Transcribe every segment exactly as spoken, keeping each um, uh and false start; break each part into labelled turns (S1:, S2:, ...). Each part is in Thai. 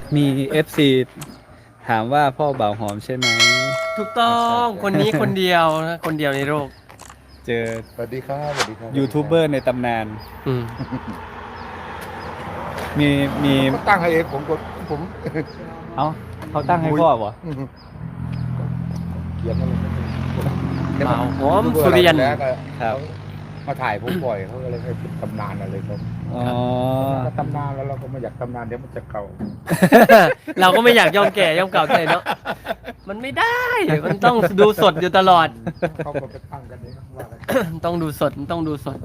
S1: มี เอฟ ซี ถามว่าพ่อบ่าวหอมใช่ไหม
S2: ถูกต้องคนนี้คนเดียวนะคนเดียวในโลก
S1: เจอ
S3: สวัสดีครับสวัสดีครับ
S1: ยูทูบเบอร์ในตำนาน
S2: อืม
S1: มีมี
S3: เขาตั้งให้เองผมก็ผม
S1: เอ้าเขาตั้งให้พ่อป่ะ
S3: เขียนอะไร
S2: บ่าวหอมสุริยัน
S3: แล้วก็
S1: ครับ
S3: มาถ่ายผมบ่อยเขาก็เลยให้เป็นตำนานอะไรครับ
S1: อ๋อ
S3: ก็ตำนานแล้วเราก็ไม่อยากตำนานเดี๋ยวมันจะเก่า
S2: เราก็ไม่อยากยอมแก่ยอมเก่าใจเนาะมันไม่ได้ มันต้องดูสดอยู่ตลอด
S3: เขาก็ไปตั้งกันเองว่ากัน
S2: ต้องดูสดต้องดูสด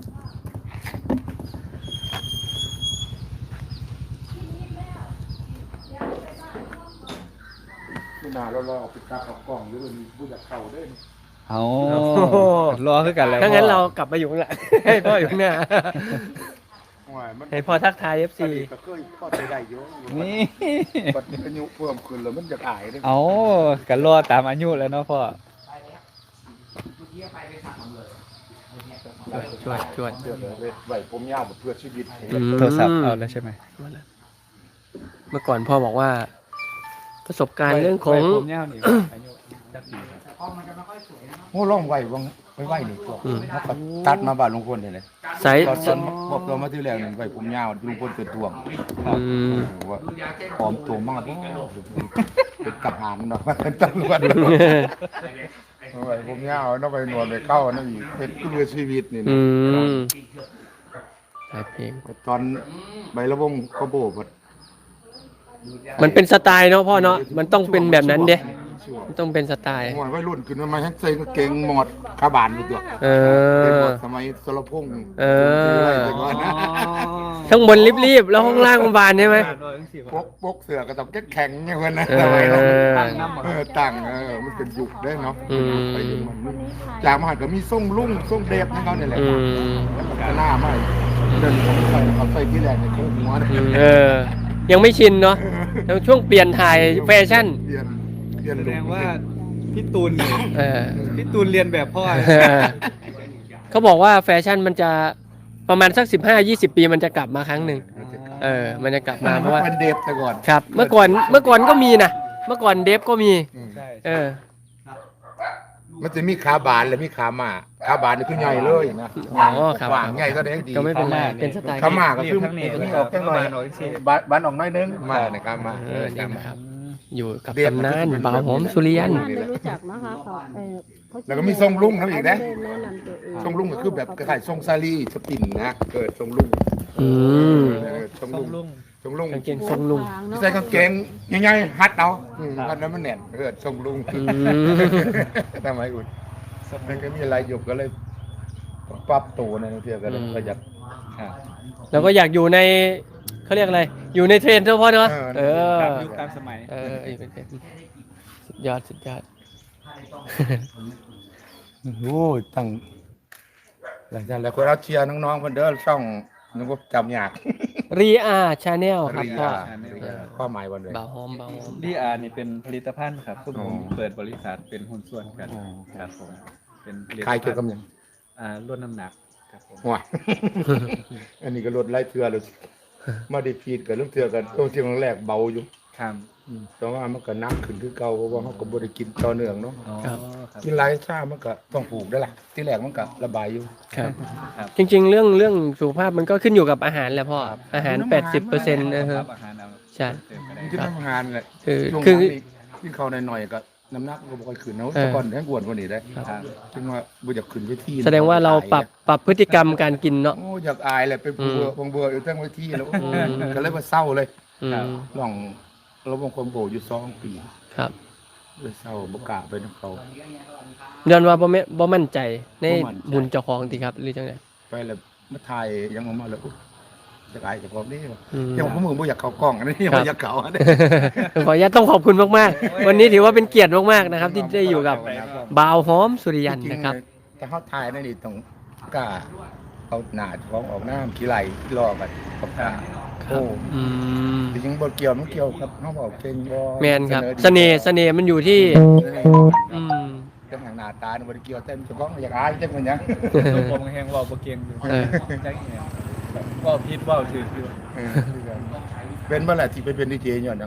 S3: ไม่นานเราเราเอาไปตั้งเอากล้องหรือมันมีผู้อยากเก่าด้วย
S1: เอา
S2: โอ้โห
S1: รอคือกันแล้ว
S2: ถ้างั้น
S1: พ่อ
S2: เรากลับมาอยู่ข้างหลัง ให้พ่ออยู่ข้างหน้า
S3: มัน
S2: ให้พ่อทักทาย เอฟ ซี
S3: ก็เคยพ่อใจได้เยอะ
S1: นี่
S3: บัดนี้อายุเพิ่มขึ้นแล้วมันจะอายด้วย
S1: เอากันรอตามอายุแล้วเนาะพ่อ
S2: ชวดชวด
S3: เพื่อเลยไหวผมยาวเพื่อชีวิต
S2: อืม
S1: โทรศัพท์เอาแล้วใช่ไหม
S2: เมื่อก่อนพ่อบอกว่า ประสบการณ์เรื่องของ
S1: ไว้ผมยาวนี่อายุจักปีครับ
S3: โอ้ล่องไหววังไม่ไหวนี่ตัวเขาก็ตัดมาบ้านลุงพลเลยเลย
S2: สาย
S3: ตอนต้นบอกเรามาที่แรกหนึ่งไหวผมยาวลุงพลเกิดท่วง
S2: อืม
S3: ว่าพร้อมตัวมากเป็นกับหานเนาะเป็นตำรวจไหวผมยาวเนาะไปหนวดไปเข้านั่นอีกเป็นเพื่อชีวิตนี่
S2: อื
S3: นะ
S2: มสายเพลง
S3: ตอนใบละวงก็โบก
S2: มันเป็นสไตล์เนาะพ่อเนาะมันต้องเป็นแบบนั้นเด้มันต้องเป็นสไตล์
S3: หมดวัยรุ่นขึ้นมาให้ใส่กางเกงหมดขาบานดูตัว
S2: เอ
S3: เป็นหม
S2: อ
S3: ดสมัยสรพงษ์
S2: เออ
S3: แต่ก่อนนะ
S2: ข้างบนรีบๆแล้วข้างล่างบานใช่ไหม
S3: ปกปกเสือก็ต้องแข็งๆเนี่ยเพื่อนนะ
S2: เออ
S3: สมัยนั้นเออตั้งเออมันเป็นยุคได้เนาะ
S2: อืม
S3: ไปอยู่มันจากมหาก็มีส่งลุ่งส่งเดฟให้เขาเนี่ยแหละ
S2: อืม
S3: แล้วมันก็หน้าไม่เดินของใส่เขาใส่ที่แรกในโค้งหัวนะ
S2: เออ ยังไม่ชินเนาะยังช่วงเปลี่ยนถ่ายแฟชั่น
S3: เปลี่ยนเปลี่ยน
S1: แส
S3: ลุ
S1: ด
S3: ค
S1: งว่าพี่ตูนนี่
S2: เออ
S1: พี่ตูนเรียนแบบพ่อ
S2: เขาบอกว่าแฟชั่นมันจะประมาณสักสิบห้ายี่สิบปีมันจะกลับมาครั้งหนึ่งเออ มันจะกลับมาเพราะว่า
S3: เป็นเดฟแต่ก่อน
S2: ครับ เมื่อก่อนเมื่อก่อนก็มีนะเมื่อก่อนเดฟก็มี
S1: ใช่
S2: เออ
S3: มันจะมีขาบานและมีขามาขาบานนี่คือใหญ่เลยนะ
S2: อ๋อครับ
S3: กว่างใหญ่ก็ได้ดี
S2: ก็ไม่เป็นไรเป็นสไตล์
S3: ขามาก็คือ
S1: ทั้งนี้
S3: มันออกแค่หน่อย
S1: หน่อยสิ
S3: บานบานออกน้อยนึงมาเนี่ยขามา
S2: เอ
S3: เอ
S2: อ
S3: อ
S2: นี่
S3: ขามา
S2: นะครับ อยู่กับ
S3: เรียก
S2: ตำนาน
S3: มัน
S2: บ่าวหอมสุริยัน
S4: บ้านไม่รู้จักนะคะเขาเออเขา
S3: แล้วก็มีทรงลุงนั่นอีกนะ
S4: เขาไม่ได้แนะนำตัวเอง
S3: ทรงลุงก็คือแบบคล้ายๆทรงซาลีสปินนะเกิดทรงลุง
S2: อืม
S3: เออทรง
S1: ต้
S3: ลุ
S1: อง
S3: ง
S1: ลุง
S3: ทรงลุง
S2: กางเกงทรงลุง
S3: ใส่กางเกงใหญ่ๆฮัดเอาอืมฮัดแล้วมันแน่นเกิดทรงลุง
S2: อืม
S3: ทำไมอุ่นมันก็มีอะไรอยู่ก็เลยปรับตัวในเที่ยวก็เลยประหยัดอ่า
S2: แล้วก็อยากอยู่ในเขาเรียกอะไร อยู่ในเทรนด์เฉพาะเนาะ
S3: เอ
S2: เอ
S3: อ
S2: อ
S1: ตามยุคตามสมัย
S2: เอออยู่เป็นเทรนด์สุดยอดสุดยอด
S3: โอ้ยตั้งหลังจากแล้วคนเราเชียร์น้องๆคนเด้อช่องนึกว่าจำยาก
S2: รีอาชาแนลครับ
S3: รี
S2: พ่อ
S3: อาความหมายวันเลย
S2: บ่าวหอมบ่าวหอม
S1: ดีอาร์นี่เป็นผลิตภัณฑ์ครับพวกผม
S3: อ๋อ
S1: เปิดบริษัทเป็นหุ้นส่วนกัน
S3: อ๋อ
S1: ครับผมเป็นผลิต
S3: ใคร
S1: ภัณ
S3: เกี่ยวกับ
S1: ฑ์
S3: หยัง
S1: อ่าลดน้ำหนักครับผม
S3: ว้า อันนี้ก็ลดไล่เทือเลยมาได้พีดกับเรื่องเทือกันตัวที่ครั้งแรกเบาอยู่
S1: ครับ
S3: อืมแต่ว่ามันก็หนักขึ้นคือเก่าเพราะว่าเขาก็บ่ได้กินต่อเนื่องเนาะ
S1: อ๋อครับ
S3: กินหลายชามันก็ต้องปลูกได้ล่ะ ที่แรกมันก็ระบายอยู่
S2: ครับ
S1: ครับ
S2: จริง ๆ เรื่องเรื่องสุขภาพมันก็ขึ้นอยู่กับอาหารแหละพ่ออาหาร แปดสิบเปอร์เซ็นต์นะค
S1: ค
S2: รั
S1: รั
S2: บบ
S1: อาหารเอา
S2: ใช่
S1: เติมก็ได้
S3: ที่ทำงานแหละ
S2: คือ
S3: ช่วง
S2: คือ
S3: นั้นนี่กินข้าวหน่อยๆก็น้ำหนักก็บ่ค่อยขึ้นเนาะ
S2: เออ
S3: แต่ก่อนแห้งอ้วนกว่านี้ได้
S1: ครับ
S3: จึงว่าบ่อยากขึ้นเวที
S2: แสดงว่าเราปรับปรับพฤติกรรมการกินเนาะ
S3: โอ้อยากอายแหละไปเบื่อ
S2: อืม
S3: บางเบื่ออยู่ตั้งเวทีแล้ว
S2: อืม
S3: ก็เลยว่าเศร้าเลย
S2: อืม
S3: ลองเราบางคนโบอยู่สองปี
S2: ครับ
S3: เลยเศร้าบ่กล้าไปนำเขา
S2: ย้อนว่าบ่แม่บ่มั่นใจใน
S3: บ่มั่นใจ
S2: บุญเจ้าของติครับหรือจังได๋
S3: ไปแล้วมาถ่ายยังออกมาแล้วอุ๊ยอยากอายเจากของนี่ว่ะ
S2: อืม
S3: ยังผมมือบ่อยากเข้ากล้องอันนี้ยัง
S2: ครับ
S3: บ่อยากเข้าอันนี้
S2: ขออนุญาตต้องขอบคุณมากๆ วันนี้ถือว่าเป็นเกียรติมากๆนะครับ ที่ได้อยู่กับบ่าวหอมสุริยัน
S3: จริงๆ
S2: นะครับ
S3: แต่เขาถ่ายนั่นนี่ต้องกล้าเอาหน้าของออกน้ำขี้ไหลรอกันกับกล้า
S2: ครั
S3: โอ้
S2: บ อืม
S3: จริงๆบ่เกี่ยวมันเกี่ยวครับเขาบอกเก่งบ่
S2: แมนครับ
S3: ดี
S2: เสน่ห์เสน่ห์มันอยู่ที่ อืม
S3: เรื่องทางหน้าตาเนี่ยบ่ได้เกี่ยวแต่มันเจะก้าของอยากอายจังมันหยัง
S1: ลูกผมแห้งเว่าบ่เก่งอยู่
S2: เออ
S1: จักอีหยังเว่าผิดเว่าถูกอยู่
S3: เออเป็นเมื่อไหร่ที่ไปเป็นดีเจย้อนหยัง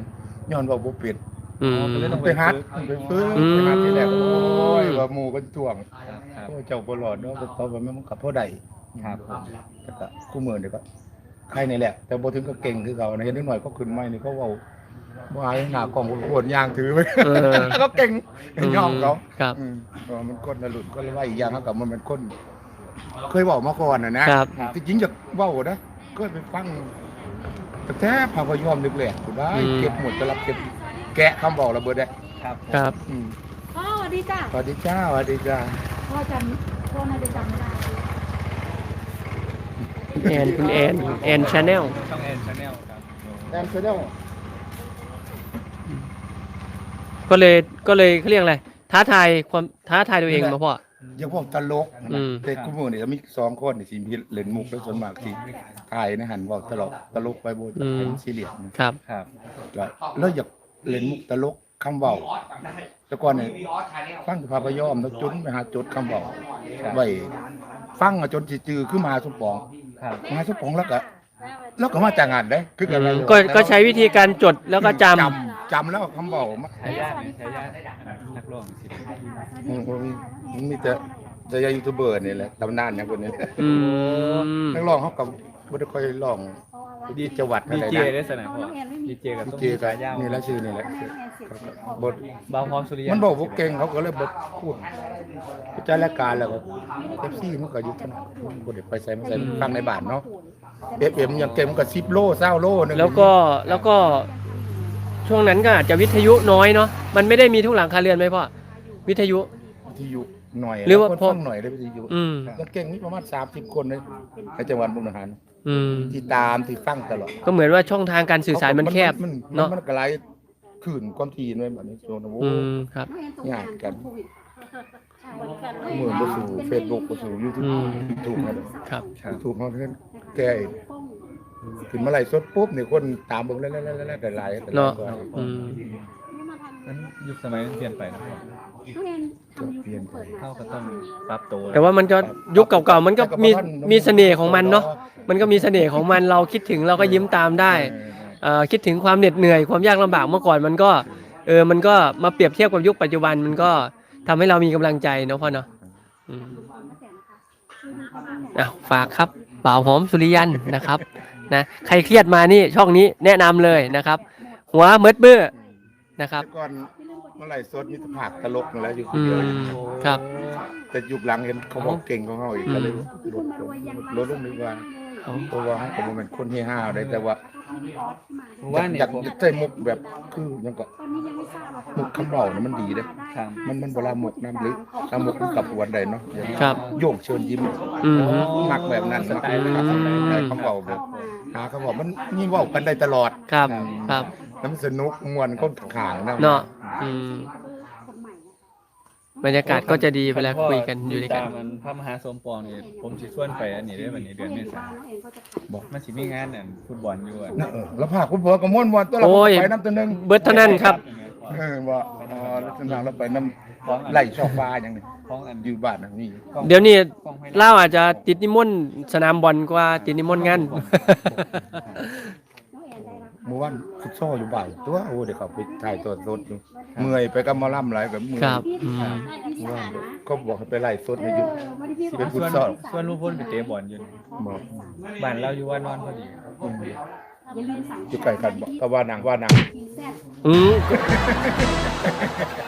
S3: ย้อนว่าบ่เป็ด
S2: อืม
S3: มันไปฮัดมันไปฟื้น
S2: อืม
S3: ไปฮัดที่แรกโอ้ยว่าหมู่ก็ท่วง
S1: ครับ
S3: โอ้ยเจ้าบ่รอดเนาะเพราะว่ามันกับพ่อใด
S1: ครับ
S3: แต่ก็คู่มือนี่ก็ใครนี่แหละ แต่บ่ถึงก็เก่งคือเขานะเห็นนิดหน่อยก็ขึ้นไม้นี่เขาเว้าบ่อายหน้ากล้องโคตรยางถือไป
S2: เออ
S3: ก็เก่งยอมเขา
S2: ครับ
S3: อืมเออมันคนน่ะหลุดก็เลยว่าอีกอย่างเขากับมันเป็นคน เคยเว้ามาก่อนน่ะนะครับ ที่จริงจะเว้านะก็ไปฟังแต่แท้พาพยอมนึกแหลกกูได้
S2: อืม
S3: เก็บหมดจะรับเก็บแกะคำบอกระเบิดได้
S1: ครับ
S2: ครับ
S3: อืม
S4: พ่อสวัสดีจ้า
S3: สวัสดีจ้าสวัสดีจ้า
S4: พ่อจำพ่อน่าจะจำไม่ได้
S2: แอนคุณแอนแอนชาแนล
S1: ช่องแอนชาแนลครับ
S3: แอนเซเดล
S2: ก็เลยก็เลยเขาเรียกอะไรท้าทายความท้าทายตัวเองมาพ่อ
S3: ยังพวกตลก
S2: อืม
S3: เด็กคู่มือนี่จะมีสองคนที่สิมีเล่นมุกแล้วส่วนมากที่ถ่ายนะหันเว่าตลกตลกไปโบนเป็นซีเรียสนะครับ
S1: ครับ
S3: แล้วแล้วอยากเล่นมุกตลกคำเว้าแต่ก่อนเนี่ยฟังพาพยอมแล้วจนไปหาจดคำเว้าไว้ฟังอะจนสิจือขึ้นมาสมปอง
S1: ครับ
S3: มาสมปองแล้วก็แล้วก็มาจากงานได้คือกันเลย
S2: ก็ก็ใช้วิธีการจดแล้วก็จำ
S3: จำจำแล้วคำเว้ามา
S1: ฉายาเนี่ยฉายานักร้องสิ
S3: อืมอืมมันมีแต่จะยายูทูบเบอร์นี่แหละตำนานอย่างคนนี้
S2: อืม
S3: นักร้องเขากับบ่ได้ค่อยร้องดีจังหวัด
S1: ดี
S3: อะไร
S1: เจ
S3: นะ
S1: ได้สนะพ่อดีเจกับ
S3: ดี
S1: ต้อง
S3: เจ
S1: มี
S3: กั
S1: ฉายา
S3: นี่แหละชื่อนี่แหละบท
S1: บาวพร้อมสุริยัน
S3: มันบอกว่าเก่งเขาก็เลยบทพูดพิจารณาการแล้วก็เอฟซีมันก็อยู่ถนัดบ่ได้ไปใส่มาใส่ฟังในบ้านเนาะเอฟเอ็มยังเก่งมันก็สิบโลเศร้าโลนึง
S2: แล้วก็แล้วก็ช่วงนั้นก็อาจจะวิทยุน้อยเนาะมันไม่ได้มีทุกหลังคาเรือนไหมพ่อวิทยุ
S3: วิทยุหน่อย
S2: หรือว่า
S3: คน
S2: พอ
S3: ฟังหน่อยได้วิทยุ
S2: อืม
S3: ยังเก่งนี่ประมาณสามสิบคนเลยในจังหวัดมุกดาหาร
S2: อืม
S3: ที่ตามที่ฟังตลอด
S2: ก็เหมือนว่าช่องทางการสื่อสารมันแคบ
S3: มัน
S2: เนาะ
S3: มันกระไรขื่นความทีนไว้แบบนี้โจนโอ้
S2: อืมครับ
S3: ยากกันเหมือนไปสู่เฟซบุ๊กไปสู่ยูทูบ
S2: อืม
S3: ถูกครับ
S2: ครับ
S3: ถูกเขาเพื่อนแกขึ้นมาไล่สดปุ๊บเนี่ยคนตามเบิ่งแล้วแล้วแล้วแล้วแต่ไล่แต่ไล่
S2: เนาะ
S3: ก็
S2: อืม
S1: นั้นยุคสมัยมันเปลี่ยนไปนะพ่อ
S3: เปลี่ยนไป
S1: เข้าก็ต้องปรับตัว
S2: แต่ว่ามันก็ยุคเก่าๆมันก็มีมีเสน่ห์ของมันเนาะมันก็มีเสน่ห์ของมันเราคิดถึงเราก็ยิ้มตามได้
S3: เออ
S2: เอ่อคิดถึงความเหน็ดเหนื่อยความยากลำบากเมื่อก่อนมันก็เออมันก็มาเปรียบเทียบกับยุคปัจจุบันมันก็ทำให้เรามีกำลังใจเนาะพ่อเนาะอืมอ่ะฝากครับบ่าวหอมสุริยันนะครับนะใครเครียดมานี่ช่องนี้แนะนำเลยนะครับ หัวเมิดเบื้อนะครับ
S3: แต่ก่อนเมื่อไหร่สดมีแต่ผักตลกนั่นแหล้วอยู่คน
S2: อื
S3: เดียว
S2: มครับ
S3: แต่ยุคหลังเห็นเขาบอกเก่งของเขาอีกก็เลยลดลงลดลงดีกว่าเพราะว่าเขาเป็นคนเฮฮาได้แต่ว่า
S1: ว่า
S3: อ
S1: เนี่ย
S3: ยาก
S1: ผม
S3: ใส่มุกแบบคือยังก็มุกคำเบาเนี่ยมันดีเด้
S1: ครับ
S3: มันมันเวลาหมกน้ำหรือถ้าหมกมันกับหัวใดเนาะอย่าง
S2: ครับ
S3: โยกเชิญยิ้ม
S2: อืม
S3: มักแบบนั้น
S1: สไตล์นะครับ
S3: ได้คำเบาแบบหาคำเบามันนี่เว่ากันได้ตลอด
S2: ครับครับ
S3: แล้วมันสนุกมวนคนขางนะ
S2: เนาะอืมบรรยากาศก็จะดีเวลาคุยกันอยู่ด้วยกัน
S1: ตามมันพระมหาสมปองนี่ผมสิชวนไปอันนี้ได้วันนี้เดือนเมษายนบอกมันสิมีงานน่ะฟุตบอลอยู่อ่ะ
S3: นะเออแล้วพาคุณพ่อกับม่วนมวนตัวเรา
S2: โอ้ย
S3: ไปน้ำตัวหนึง
S2: เบิดเท่านั้นครับ
S3: เออว่าอ๋อแล้วตอนนั้นเราไปน้ำไหลชอบฟ้าอย่างนี้
S1: ของอัน
S3: อยู่บ้านนะนี่
S2: เดี๋ยวนี้เล่าอาจจะติดนิมนต์สนามบอลกว่าติดนิมนต์งาน
S3: เมื่อวันฟุตซอลอยู่บ่ายตัวโอ้เดี๋ยวเขาไปถ่ายตัวรถอยู่เมื่อยไปกับหมอลำหลายกับเมื่อย
S2: ครับอืม
S3: เมื่อวานก็บอกให้ไปไล่สดในยุค เป็นฟุ
S1: ส่
S3: ต
S1: วน
S3: ซอล
S1: ส่วนลุงพลไปเตะบอลอยู่
S3: บอก
S1: บ้านเราอยู่ว่านอนพอดี
S3: อยู่ใกล้กันบอกก็ว่านางว่านาง
S2: อืม